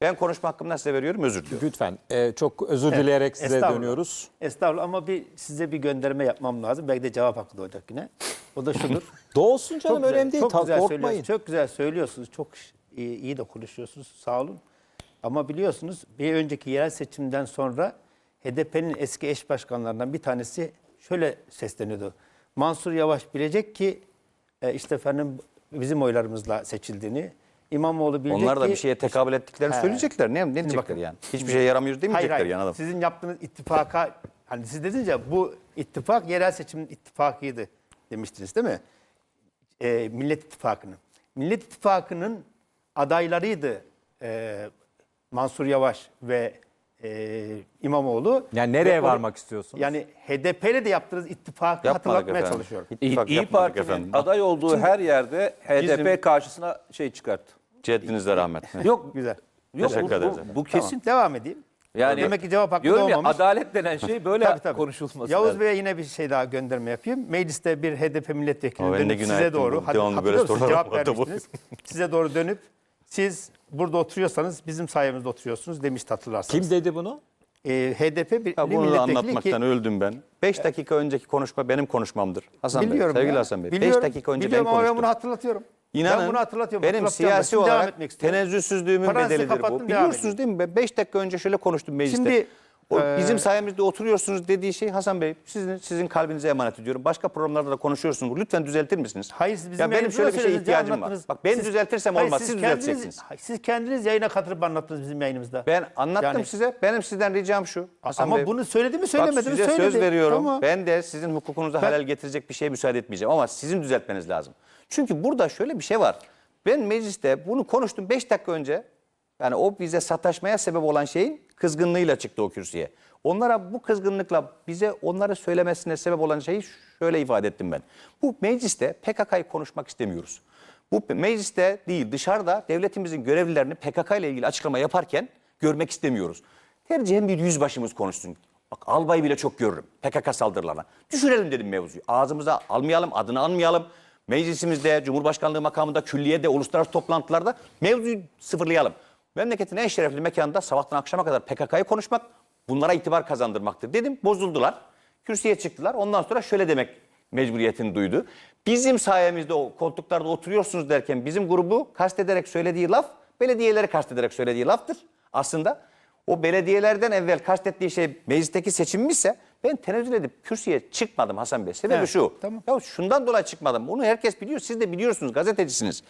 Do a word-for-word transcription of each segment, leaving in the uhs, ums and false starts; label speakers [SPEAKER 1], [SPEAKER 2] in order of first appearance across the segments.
[SPEAKER 1] Ben konuşma hakkımdan size veriyorum, özür diliyorum.
[SPEAKER 2] Lütfen. Ee, çok özür dileyerek
[SPEAKER 3] Evet,
[SPEAKER 2] size
[SPEAKER 3] estağfurullah.
[SPEAKER 2] dönüyoruz.
[SPEAKER 3] Estağfurullah ama bir size bir gönderme yapmam lazım. Belki de cevap hakkı doğacak yine. O da şudur.
[SPEAKER 2] Doğsun canım,
[SPEAKER 3] Çok güzel,
[SPEAKER 2] önemli değil.
[SPEAKER 3] çok
[SPEAKER 2] Ta-
[SPEAKER 3] güzel
[SPEAKER 2] korkmayın.
[SPEAKER 3] söylüyorsunuz. Çok güzel söylüyorsunuz. Çok iyi, iyi de konuşuyorsunuz. Sağ olun. Ama biliyorsunuz bir önceki yerel seçimden sonra H D P'nin eski eş başkanlarından bir tanesi şöyle sesleniyordu. Mansur Yavaş bilecek ki e, işte efendim bizim oylarımızla seçildiğini. İmamoğlu bilecek
[SPEAKER 1] Onlar da
[SPEAKER 3] ki...
[SPEAKER 1] bir şeye tekabül ettiklerini
[SPEAKER 3] He.
[SPEAKER 1] söyleyecekler. Ne, ne diyecekler
[SPEAKER 3] bakın.
[SPEAKER 1] yani? Hiçbir şeye yaramıyoruz
[SPEAKER 3] Hayır
[SPEAKER 1] demeyecekler
[SPEAKER 3] hayır.
[SPEAKER 1] yani adam.
[SPEAKER 3] Sizin yaptığınız ittifaka, hani siz dediniz ya bu ittifak yerel seçimin ittifakıydı demiştiniz değil mi? Ee, Millet İttifakı'nın. Millet İttifakı'nın adaylarıydı e, Mansur Yavaş ve e, İmamoğlu.
[SPEAKER 2] Yani nereye
[SPEAKER 3] Ve o-
[SPEAKER 2] varmak istiyorsunuz?
[SPEAKER 3] Yani H D P'yle de yaptığınız ittifakı
[SPEAKER 1] Yapmadık
[SPEAKER 3] hatırlatmaya
[SPEAKER 1] efendim.
[SPEAKER 3] çalışıyorum.
[SPEAKER 4] İyi,
[SPEAKER 1] İttifak
[SPEAKER 4] İyi
[SPEAKER 1] yapmadık
[SPEAKER 4] Parti'nin
[SPEAKER 1] efendim.
[SPEAKER 4] aday olduğu her yerde H D P
[SPEAKER 1] bizim-
[SPEAKER 4] karşısına şey çıkarttı.
[SPEAKER 1] Ceddinizle rahmet.
[SPEAKER 4] Yok,
[SPEAKER 3] Güzel.
[SPEAKER 4] yok bu,
[SPEAKER 1] Teşekkür
[SPEAKER 4] bu,
[SPEAKER 1] ederiz
[SPEAKER 4] bu
[SPEAKER 3] Tamam,
[SPEAKER 4] kesin.
[SPEAKER 3] devam edeyim.
[SPEAKER 4] Yani
[SPEAKER 3] Demek ki cevap hakkı
[SPEAKER 4] diyorum ya,
[SPEAKER 3] doğmamış.
[SPEAKER 4] adalet denen şey böyle
[SPEAKER 3] Tabii, tabii.
[SPEAKER 4] konuşulması
[SPEAKER 3] Yavuz
[SPEAKER 4] lazım.
[SPEAKER 3] Bey'e yine bir şey daha gönderme yapayım. Mecliste bir H D P milletvekili
[SPEAKER 1] Ama ben de
[SPEAKER 3] dönüp
[SPEAKER 1] günah
[SPEAKER 3] size
[SPEAKER 1] ettim
[SPEAKER 3] doğru,
[SPEAKER 1] bu.
[SPEAKER 3] hadi
[SPEAKER 1] Devamlı böyle
[SPEAKER 3] hatırlıyor musunuz?
[SPEAKER 1] sorular
[SPEAKER 3] Cevap
[SPEAKER 1] var da bu.
[SPEAKER 3] vermiştiniz. Size doğru dönüp siz burada oturuyorsanız bizim sayemizde oturuyorsunuz demişti, hatırlarsanız.
[SPEAKER 2] Kim dedi bunu?
[SPEAKER 3] Ee, H D P bir
[SPEAKER 1] Ya bunu da
[SPEAKER 3] milletvekili
[SPEAKER 1] anlatmaktan
[SPEAKER 3] ki...
[SPEAKER 1] öldüm ben. beş dakika önceki konuşma benim konuşmamdır. Hasan
[SPEAKER 3] Biliyorum
[SPEAKER 1] Bey, sevgili
[SPEAKER 3] ya.
[SPEAKER 1] Hasan Bey. beş
[SPEAKER 3] Biliyorum,
[SPEAKER 1] dakika önce ben
[SPEAKER 3] biliyorum ama ben
[SPEAKER 1] konuştum.
[SPEAKER 3] bunu hatırlatıyorum.
[SPEAKER 1] İnanın
[SPEAKER 3] ben bunu hatırlatıyorum.
[SPEAKER 1] benim
[SPEAKER 3] hatırlatacağım da.
[SPEAKER 1] siyasi
[SPEAKER 3] Şimdi devam
[SPEAKER 1] olarak
[SPEAKER 3] etmek istiyorum.
[SPEAKER 1] tenezzülsüzlüğümün
[SPEAKER 3] Parantezi
[SPEAKER 1] bedelidir
[SPEAKER 3] kapattım,
[SPEAKER 1] bu.
[SPEAKER 3] devam
[SPEAKER 1] Biliyorsunuz değil mi? beş dakika önce şöyle konuştum mecliste.
[SPEAKER 3] Şimdi,
[SPEAKER 1] o,
[SPEAKER 3] e,
[SPEAKER 1] bizim sayemizde oturuyorsunuz dediği şey Hasan Bey sizin sizin kalbinize emanet ediyorum. Başka programlarda da konuşuyorsunuz. Lütfen düzeltir misiniz?
[SPEAKER 3] Hayır, siz bizim
[SPEAKER 1] ya benim
[SPEAKER 3] yayınımızda
[SPEAKER 1] şöyle bir şeye
[SPEAKER 3] söylediniz,
[SPEAKER 1] ihtiyacım var.
[SPEAKER 3] anlattınız.
[SPEAKER 1] Bak ben
[SPEAKER 3] Siz-
[SPEAKER 1] düzeltirsem
[SPEAKER 3] Hayır,
[SPEAKER 1] olmaz.
[SPEAKER 3] siz
[SPEAKER 1] Siz
[SPEAKER 3] kendiniz-
[SPEAKER 1] düzelteceksiniz.
[SPEAKER 3] hayır, Siz kendiniz yayına katılıp anlattınız bizim yayınımızda.
[SPEAKER 1] Ben anlattım
[SPEAKER 3] Yani-
[SPEAKER 1] size. Benim sizden ricam şu. Hasan
[SPEAKER 3] Ama
[SPEAKER 1] Bey,
[SPEAKER 3] bunu söyledi mi
[SPEAKER 1] bak
[SPEAKER 3] söylemedi mi
[SPEAKER 1] size
[SPEAKER 3] söyledi.
[SPEAKER 1] söz veriyorum.
[SPEAKER 3] Tamam.
[SPEAKER 1] Ben de sizin hukukunuza
[SPEAKER 3] Ben-
[SPEAKER 1] halel getirecek bir şeye müsaade etmeyeceğim. Ama sizin düzeltmeniz lazım. Çünkü burada şöyle bir şey var. Ben mecliste bunu konuştum beş dakika önce. Yani o bize sataşmaya sebep olan şeyin kızgınlığıyla çıktı o kürsüye. Onlara bu kızgınlıkla bize onları söylemesine sebep olan şeyi şöyle ifade ettim ben. Bu mecliste P K K'yı konuşmak istemiyoruz. Bu mecliste değil dışarıda devletimizin görevlilerini P K K ile ilgili açıklama yaparken görmek istemiyoruz. Tercihen bir yüzbaşımız konuşsun. Bak albayı bile çok görürüm P K K saldırılarına. Düşürelim dedim mevzuyu. Ağzımıza almayalım, adını anmayalım. Meclisimizde, Cumhurbaşkanlığı makamında, külliyede, uluslararası toplantılarda mevzuyu sıfırlayalım. Memleketin en şerefli mekanında sabahtan akşama kadar P K K'yı konuşmak bunlara itibar kazandırmaktır dedim. Bozuldular. Kürsüye çıktılar. Ondan sonra şöyle demek mecburiyetini duydu. Bizim sayemizde o koltuklarda oturuyorsunuz derken bizim grubu kastederek söylediği laf belediyeleri kastederek söylediği laftır. Aslında o belediyelerden evvel kastettiği şey meclisteki seçimmişse ben tenezzül edip kürsüye çıkmadım Hasan Bey. Sebebi
[SPEAKER 3] Evet,
[SPEAKER 1] şu.
[SPEAKER 3] tamam.
[SPEAKER 1] Ya şundan dolayı çıkmadım. Bunu herkes biliyor. Siz de biliyorsunuz, gazetecisiniz.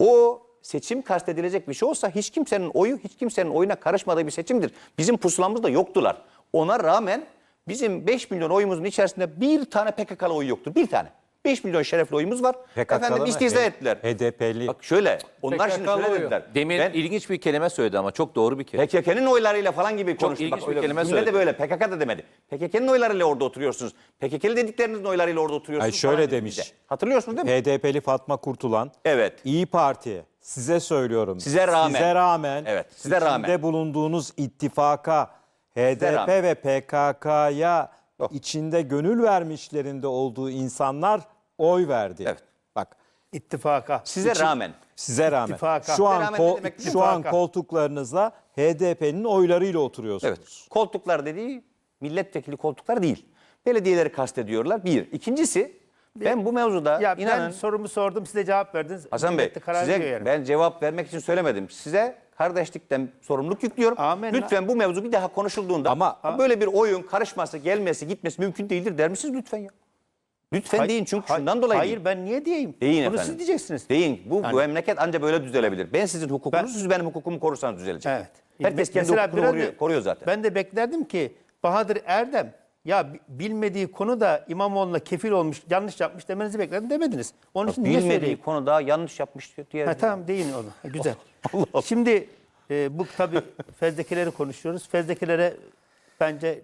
[SPEAKER 1] O seçim kastedilecek bir şey olsa hiç kimsenin oyu, hiç kimsenin oyuna karışmadığı bir seçimdir. Bizim pusulamızda yoktular. Ona rağmen bizim beş milyon oyumuzun içerisinde bir tane P K K'lı oy yoktur. Bir tane. beş milyon şerefli oyumuz var.
[SPEAKER 2] P K K'lı
[SPEAKER 1] Efendim
[SPEAKER 2] mı?
[SPEAKER 1] istihza
[SPEAKER 2] H-
[SPEAKER 1] ettiler.
[SPEAKER 2] H D P'li.
[SPEAKER 1] Bak şöyle. Onlar şimdi
[SPEAKER 4] P K K'lı
[SPEAKER 1] şöyle
[SPEAKER 4] oyu.
[SPEAKER 1] dediler.
[SPEAKER 4] Demin
[SPEAKER 1] Ben
[SPEAKER 4] ilginç bir kelime söyledi ama çok doğru bir kelime.
[SPEAKER 1] P K K'nın oylarıyla falan gibi konuştu.
[SPEAKER 4] ilginç
[SPEAKER 1] Bak,
[SPEAKER 4] bir
[SPEAKER 1] öyle
[SPEAKER 4] kelime
[SPEAKER 1] cümle de
[SPEAKER 4] söyledi.
[SPEAKER 1] böyle. P K K da demedi. P K K'nın oylarıyla orada oturuyorsunuz. P K K'li dediklerinizin oylarıyla orada oturuyorsunuz.
[SPEAKER 2] Ay şöyle
[SPEAKER 1] falan dedi
[SPEAKER 2] demiş.
[SPEAKER 1] bize. Hatırlıyorsunuz değil mi?
[SPEAKER 2] H D P'li Fatma Kurtulan.
[SPEAKER 1] Evet.
[SPEAKER 2] İyi Parti. Size söylüyorum.
[SPEAKER 1] Size rağmen.
[SPEAKER 2] Size rağmen.
[SPEAKER 1] Evet, size rağmen.
[SPEAKER 2] içinde bulunduğunuz ittifaka H D P
[SPEAKER 1] rağmen.
[SPEAKER 2] ve P K K'ya
[SPEAKER 1] Yok.
[SPEAKER 2] içinde gönül vermişlerinde olduğu insanlar oy verdi.
[SPEAKER 1] Evet.
[SPEAKER 2] Bak
[SPEAKER 3] İttifaka.
[SPEAKER 1] Size rağmen.
[SPEAKER 2] size rağmen.
[SPEAKER 3] İttifaka.
[SPEAKER 2] Şu an
[SPEAKER 1] Rağmen ne
[SPEAKER 2] kol-
[SPEAKER 1] demek?
[SPEAKER 2] şu an
[SPEAKER 3] İttifaka.
[SPEAKER 2] koltuklarınızda H D P'nin oylarıyla oturuyorsunuz.
[SPEAKER 1] Evet. Koltuklar dediği milletvekili koltuklar değil. Belediyeleri kastediyorlar. Bir. İkincisi ben bu mevzuda
[SPEAKER 3] Ya
[SPEAKER 1] inanın
[SPEAKER 3] ben sorumu sordum, size cevap verdiniz.
[SPEAKER 1] Hasan Bey
[SPEAKER 3] Millet de karar veriyor
[SPEAKER 1] size
[SPEAKER 3] yani.
[SPEAKER 1] ben cevap vermek için söylemedim. Size kardeşlikten sorumluluk yüklüyorum.
[SPEAKER 3] Amenna.
[SPEAKER 1] Lütfen bu mevzu bir daha konuşulduğunda
[SPEAKER 2] Ama-
[SPEAKER 1] böyle bir oyun karışması, gelmesi, gitmesi mümkün değildir der misiniz lütfen ya? Lütfen
[SPEAKER 3] Hayır,
[SPEAKER 1] deyin çünkü
[SPEAKER 3] hayır,
[SPEAKER 1] şundan dolayı
[SPEAKER 3] Hayır
[SPEAKER 1] değil.
[SPEAKER 3] ben niye diyeyim?
[SPEAKER 1] Deyin
[SPEAKER 3] Bunu
[SPEAKER 1] efendim.
[SPEAKER 3] siz diyeceksiniz.
[SPEAKER 1] Deyin. Bu,
[SPEAKER 3] Yani-
[SPEAKER 1] bu memleket anca böyle düzelebilir. Ben sizin hukukunuz,
[SPEAKER 3] Ben-
[SPEAKER 1] siz benim hukukumu korursanız düzelecek.
[SPEAKER 3] Evet.
[SPEAKER 1] Herkes kendi
[SPEAKER 3] Mesela
[SPEAKER 1] hukukunu
[SPEAKER 3] biraz
[SPEAKER 1] koruyor,
[SPEAKER 3] da-
[SPEAKER 1] koruyor zaten.
[SPEAKER 3] Ben de beklerdim ki Bahadır Erdem ya bi- bilmediği konuda İmamoğlu'na kefil olmuş, yanlış yapmış demenizi beklerdim, demediniz. Onun için niye
[SPEAKER 1] Bilmediği
[SPEAKER 3] söyleyeyim?
[SPEAKER 1] konuda yanlış yapmış diye.
[SPEAKER 3] Ha, tamam deyin onu. Ha, güzel. Şimdi e, bu tabii fezlekeleri konuşuyoruz. Fezlekelere bence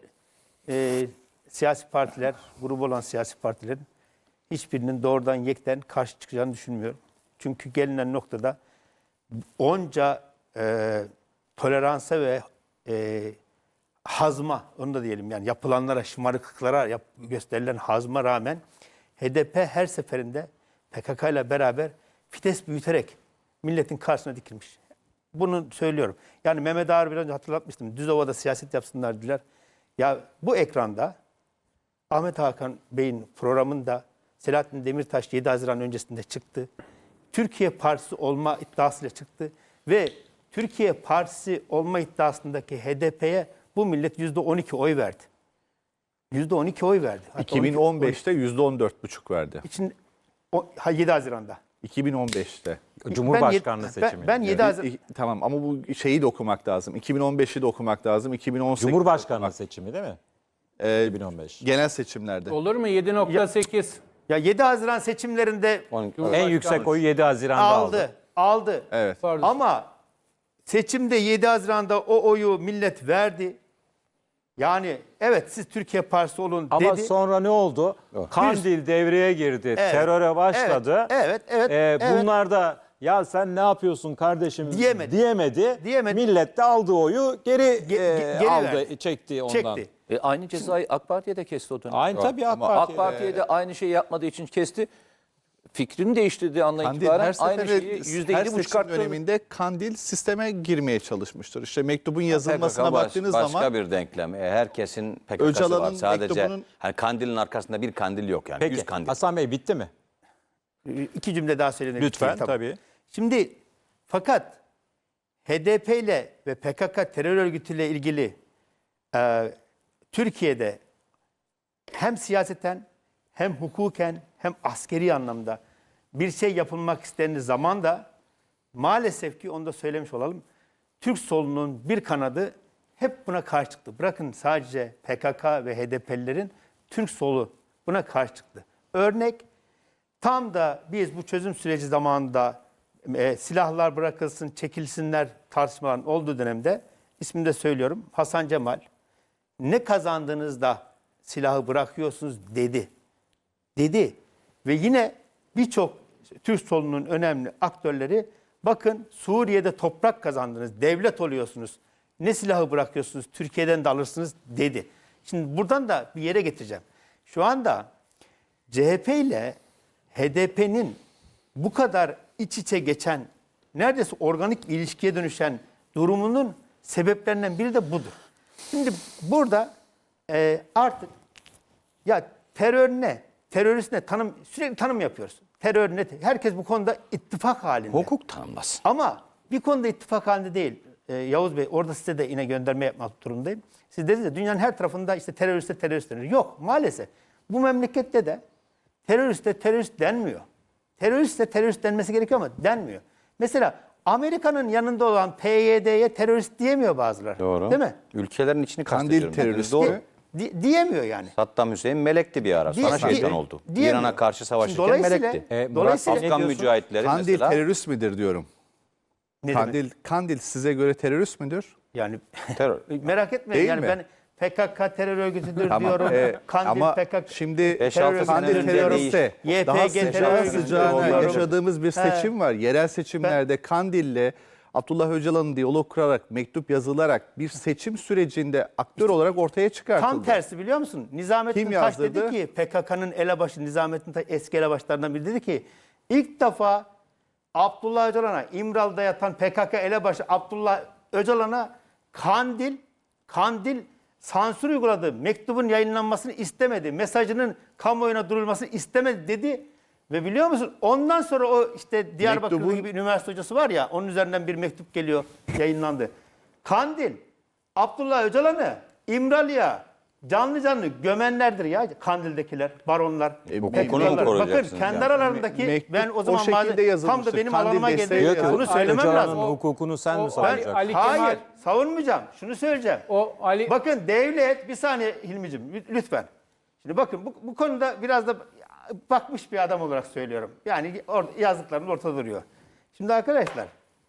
[SPEAKER 3] e, siyasi partiler, grubu olan siyasi partilerin hiçbirinin doğrudan yekten karşı çıkacağını düşünmüyorum. Çünkü gelinen noktada onca e, toleransa ve e, hazma, onu da diyelim yani yapılanlara, şımarıklıklara yap, gösterilen hazma rağmen H D P her seferinde P K K ile beraber fites büyüterek milletin karşısına dikilmiş. bunu söylüyorum. Yani Mehmet Ağar biraz önce hatırlatmıştım. Düzova'da siyaset yapsınlar diler. Ya bu ekranda Ahmet Hakan Bey'in programında Selahattin Demirtaş yedi Haziran öncesinde çıktı. Türkiye Partisi olma iddiasıyla çıktı ve Türkiye Partisi olma iddiasındaki H D P'ye bu millet yüzde on iki oy verdi. yüzde on iki oy verdi. Hatta
[SPEAKER 5] iki bin on beşte yüzde on dört buçuk verdi.
[SPEAKER 3] için o, ha, yedi Haziran'da.
[SPEAKER 5] iki bin on beşte.
[SPEAKER 2] Cumhurbaşkanlığı
[SPEAKER 3] ben,
[SPEAKER 2] seçimi.
[SPEAKER 3] Ben, ben yedi Haziran.
[SPEAKER 5] İ- Tamam ama bu şeyi de okumak lazım. iki bin on beşi de okumak lazım. iki bin on sekiz
[SPEAKER 2] Cumhurbaşkanlığı seçimi değil mi?
[SPEAKER 5] Ee,
[SPEAKER 2] iki bin on beş.
[SPEAKER 5] genel seçimlerde.
[SPEAKER 6] Olur mu? yedi nokta sekiz.
[SPEAKER 3] Ya yedi Haziran seçimlerinde
[SPEAKER 2] En yüksek oyu yedi Haziran'da aldı.
[SPEAKER 3] aldı. Aldı.
[SPEAKER 5] Evet.
[SPEAKER 6] Pardon.
[SPEAKER 3] Ama seçimde yedi Haziran'da o oyu millet verdi. Yani evet siz Türkiye Partisi olun
[SPEAKER 2] Ama
[SPEAKER 3] dedi.
[SPEAKER 2] sonra ne oldu? Kandil devreye girdi,
[SPEAKER 3] Evet,
[SPEAKER 2] teröre başladı.
[SPEAKER 3] Evet, evet,
[SPEAKER 2] Ee,
[SPEAKER 3] evet.
[SPEAKER 2] Bunlar da ya sen ne yapıyorsun kardeşim
[SPEAKER 3] Diyemedi.
[SPEAKER 2] diyemedi.
[SPEAKER 3] Diyemedi.
[SPEAKER 2] Millet de aldığı oyu geri,
[SPEAKER 3] Ge-
[SPEAKER 2] e,
[SPEAKER 3] geri
[SPEAKER 2] aldı,
[SPEAKER 3] verdi.
[SPEAKER 2] çekti ondan.
[SPEAKER 3] Çekti.
[SPEAKER 4] E, aynı cezayı AK Parti'ye de kesti o dönem.
[SPEAKER 2] Aynı tabii AK
[SPEAKER 4] Ama
[SPEAKER 2] Parti'ye
[SPEAKER 4] AK
[SPEAKER 2] de.
[SPEAKER 4] Parti'ye de aynı şeyi yapmadığı için kesti. Fikrini değiştirdiği andan
[SPEAKER 5] Kandil
[SPEAKER 4] itibaren
[SPEAKER 5] her
[SPEAKER 4] aynı
[SPEAKER 5] sefere,
[SPEAKER 4] şeyi
[SPEAKER 5] her
[SPEAKER 4] yüzde yedi
[SPEAKER 5] seçim
[SPEAKER 4] buçuk arttırdı.
[SPEAKER 5] döneminde Kandil sisteme girmeye çalışmıştır. İşte mektubun yazılmasına
[SPEAKER 1] P K K baş-
[SPEAKER 5] baktığınız
[SPEAKER 1] başka
[SPEAKER 5] zaman
[SPEAKER 1] bir denklem. E, herkesin P K K'sı
[SPEAKER 5] Öcalan'ın
[SPEAKER 1] var. Sadece
[SPEAKER 5] mektubunun-
[SPEAKER 1] hani kandilin arkasında bir kandil yok yani.
[SPEAKER 2] Peki
[SPEAKER 1] Yüz kandil.
[SPEAKER 2] Hasan Bey bitti mi?
[SPEAKER 3] İki cümle daha söylemek
[SPEAKER 2] Lütfen
[SPEAKER 3] istiyorum.
[SPEAKER 2] tabii.
[SPEAKER 3] Şimdi fakat H D P ile ve P K K terör örgütüyle ilgili e, Türkiye'de hem siyaseten hem hukuken hem askeri anlamda bir şey yapılmak istendiği zaman da maalesef ki onu da söylemiş olalım. Türk solunun bir kanadı hep buna karşı çıktı. Bırakın sadece P K K ve H D P'lilerin Türk solu buna karşı çıktı. Örnek tam da biz bu çözüm süreci zamanında e, silahlar bırakılsın, çekilsinler tartışmaların olduğu dönemde ismini de söylüyorum Hasan Cemal ne kazandığınızda silahı bırakıyorsunuz dedi. Dedi ve yine birçok Türk solunun önemli aktörleri bakın Suriye'de toprak kazandınız, devlet oluyorsunuz. Ne silahı bırakıyorsunuz, Türkiye'den de alırsınız dedi. Şimdi buradan da bir yere getireceğim. Şu anda C H P ile H D P'nin bu kadar iç içe geçen, neredeyse organik bir ilişkiye dönüşen durumunun sebeplerinden biri de budur. Şimdi burada e, artık ya terör ne? Terörist ne? Tanım, sürekli tanım yapıyoruz. Terör ne? Herkes bu konuda ittifak halinde.
[SPEAKER 1] Hukuk tanımlasın.
[SPEAKER 3] Ama bir konuda ittifak halinde değil. Ee, Yavuz Bey orada size de yine gönderme yapmak durumundayım. Siz dediniz ya dünyanın her tarafında işte teröriste terörist denir. Yok maalesef. Bu memlekette de teröriste terörist denmiyor. Teröriste terörist denmesi gerekiyor ama denmiyor. Mesela Amerika'nın yanında olan P Y D'ye terörist diyemiyor bazıları.
[SPEAKER 1] Doğru.
[SPEAKER 3] Değil mi?
[SPEAKER 1] Ülkelerin içini
[SPEAKER 5] Kandil
[SPEAKER 1] kastediyorum.
[SPEAKER 5] teröristi.
[SPEAKER 1] Doğru.
[SPEAKER 3] Di- diyemiyor yani.
[SPEAKER 1] Saddam Hüseyin melekti bir ara.
[SPEAKER 3] Diye-
[SPEAKER 1] Sonra şeytan
[SPEAKER 3] diye-
[SPEAKER 1] oldu.
[SPEAKER 3] diyemiyor.
[SPEAKER 1] İran'a karşı
[SPEAKER 3] Şimdi
[SPEAKER 1] savaşırken
[SPEAKER 3] dolayısıyla-
[SPEAKER 1] melekti.
[SPEAKER 2] E, Murat
[SPEAKER 3] dolayısıyla
[SPEAKER 2] Bey,
[SPEAKER 1] Afgan
[SPEAKER 2] diyorsun?
[SPEAKER 1] mücahitleri
[SPEAKER 5] Kandil
[SPEAKER 1] mesela.
[SPEAKER 5] terörist midir diyorum.
[SPEAKER 3] Ne
[SPEAKER 5] Kandil
[SPEAKER 3] demek?
[SPEAKER 5] Kandil size göre terörist müdür?
[SPEAKER 3] Yani
[SPEAKER 1] Terör.
[SPEAKER 3] merak etmeyin
[SPEAKER 5] Değil
[SPEAKER 3] yani
[SPEAKER 5] mi?
[SPEAKER 3] ben P K K terör örgütüdür
[SPEAKER 5] Tamam,
[SPEAKER 3] diyorum.
[SPEAKER 5] e,
[SPEAKER 3] Kandil
[SPEAKER 5] ama
[SPEAKER 3] P K K
[SPEAKER 5] şimdi
[SPEAKER 1] Beş,
[SPEAKER 3] terör
[SPEAKER 1] altı sene
[SPEAKER 3] örgütüdür
[SPEAKER 1] önce
[SPEAKER 3] diyorum.
[SPEAKER 5] teröriste
[SPEAKER 3] Y P
[SPEAKER 5] daha
[SPEAKER 3] G terör
[SPEAKER 5] sıcağı
[SPEAKER 3] örgütüdür
[SPEAKER 5] sıcağına
[SPEAKER 3] diyorum.
[SPEAKER 5] yaşadığımız bir seçim var. Yerel seçimlerde Kandil'le Abdullah Öcalan'ın diyalog kurarak, mektup yazılarak bir seçim sürecinde aktör olarak ortaya çıkartıldı.
[SPEAKER 3] Tam tersi biliyor musun? Nizamettin
[SPEAKER 5] Kim
[SPEAKER 3] Taş dedi
[SPEAKER 5] yazdırdı?
[SPEAKER 3] ki P K K'nın elebaşı Nizamettin Taş eski elebaşlarından biri dedi ki ilk defa Abdullah Öcalan'a İmralı'da yatan P K K elebaşı Abdullah Öcalan'a Kandil Kandil sansür uyguladı. Mektubun yayınlanmasını istemedi. Mesajının kamuoyuna duyurulmasını istemedi dedi. Ve biliyor musun ondan sonra o işte Diyarbakır'da
[SPEAKER 5] Mektubun-
[SPEAKER 3] gibi üniversite hocası var ya onun üzerinden bir mektup geliyor yayınlandı. Kandil Abdullah Öcalan'ı İmralı'ya canlı canlı gömenlerdir ya Kandil'dekiler, baronlar.
[SPEAKER 5] E, bu
[SPEAKER 3] P K K'lar.
[SPEAKER 1] hukuku mu
[SPEAKER 3] Bakın
[SPEAKER 1] koruyacaksınız
[SPEAKER 3] kendi
[SPEAKER 1] yani?
[SPEAKER 3] aralarındaki
[SPEAKER 5] Mektup
[SPEAKER 3] ben o zaman
[SPEAKER 5] o şekilde
[SPEAKER 3] malzeme- tam da
[SPEAKER 5] yazılmıştır.
[SPEAKER 3] benim
[SPEAKER 5] Kandil
[SPEAKER 3] alanıma
[SPEAKER 5] desteği
[SPEAKER 3] geldi.
[SPEAKER 5] yazılır.
[SPEAKER 3] Bunu söylemem
[SPEAKER 2] Öcalan'ın
[SPEAKER 3] lazım.
[SPEAKER 2] hukukunu sen mi
[SPEAKER 6] o-
[SPEAKER 2] savunacaksın?
[SPEAKER 6] Ali
[SPEAKER 3] Hayır,
[SPEAKER 6] Kemal-
[SPEAKER 3] savunmayacağım. Şunu söyleyeceğim.
[SPEAKER 6] O Ali
[SPEAKER 3] Bakın devlet, bir saniye Hilmi'cim lütfen. Şimdi bakın bu, bu konuda biraz da bakmış bir adam olarak söylüyorum. Yani or, yazdıklarımız ortada duruyor. Şimdi arkadaşlar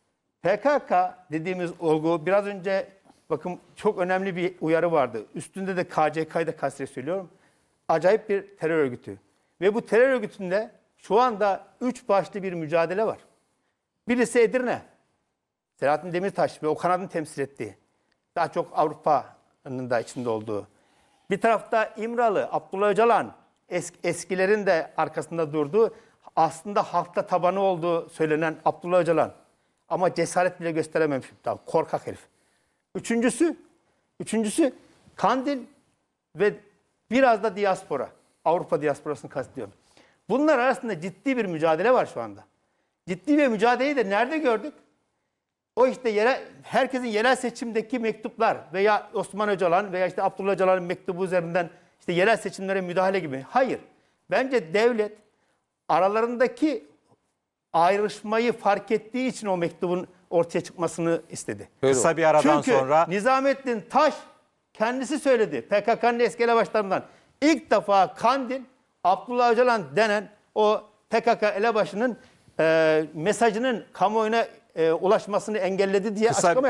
[SPEAKER 3] P K K dediğimiz olgu biraz önce bakın çok önemli bir uyarı vardı. Üstünde de K C K'yı da kastederek söylüyorum. Acayip bir terör örgütü. Ve bu terör örgütünde şu anda üç başlı bir mücadele var. Birisi Edirne. Selahattin Demirtaş ve o kanadın temsil ettiği. Daha çok Avrupa'nın da içinde olduğu. Bir tarafta İmralı, Abdullah Öcalan, es- eskilerin de arkasında durduğu, aslında halkta tabanı olduğu söylenen Abdullah Öcalan. ama cesaret bile gösterememiş. Tamam, korkak herif. Üçüncüsü, üçüncüsü Kandil ve biraz da diaspora. Avrupa diasporasını kastediyorum. Bunlar arasında ciddi bir mücadele var şu anda. Ciddi bir mücadeleyi de nerede gördük? O işte yere, herkesin yerel seçimdeki mektuplar veya Osman Öcalan veya işte Abdullah Öcalan'ın mektubu üzerinden işte yerel seçimlere müdahale gibi. Hayır. Bence devlet aralarındaki ayrışmayı fark ettiği için o mektubun ortaya çıkmasını istedi.
[SPEAKER 2] Kısa bir aradan
[SPEAKER 3] Çünkü
[SPEAKER 2] sonra
[SPEAKER 3] Nizamettin Taş kendisi söyledi. P K K'nın eski elebaşlarından. İlk defa Kandil, Abdullah Öcalan denen o P K K elebaşının e, mesajının kamuoyuna e, ulaşmasını engelledi diye
[SPEAKER 2] Kısa-
[SPEAKER 3] açıklama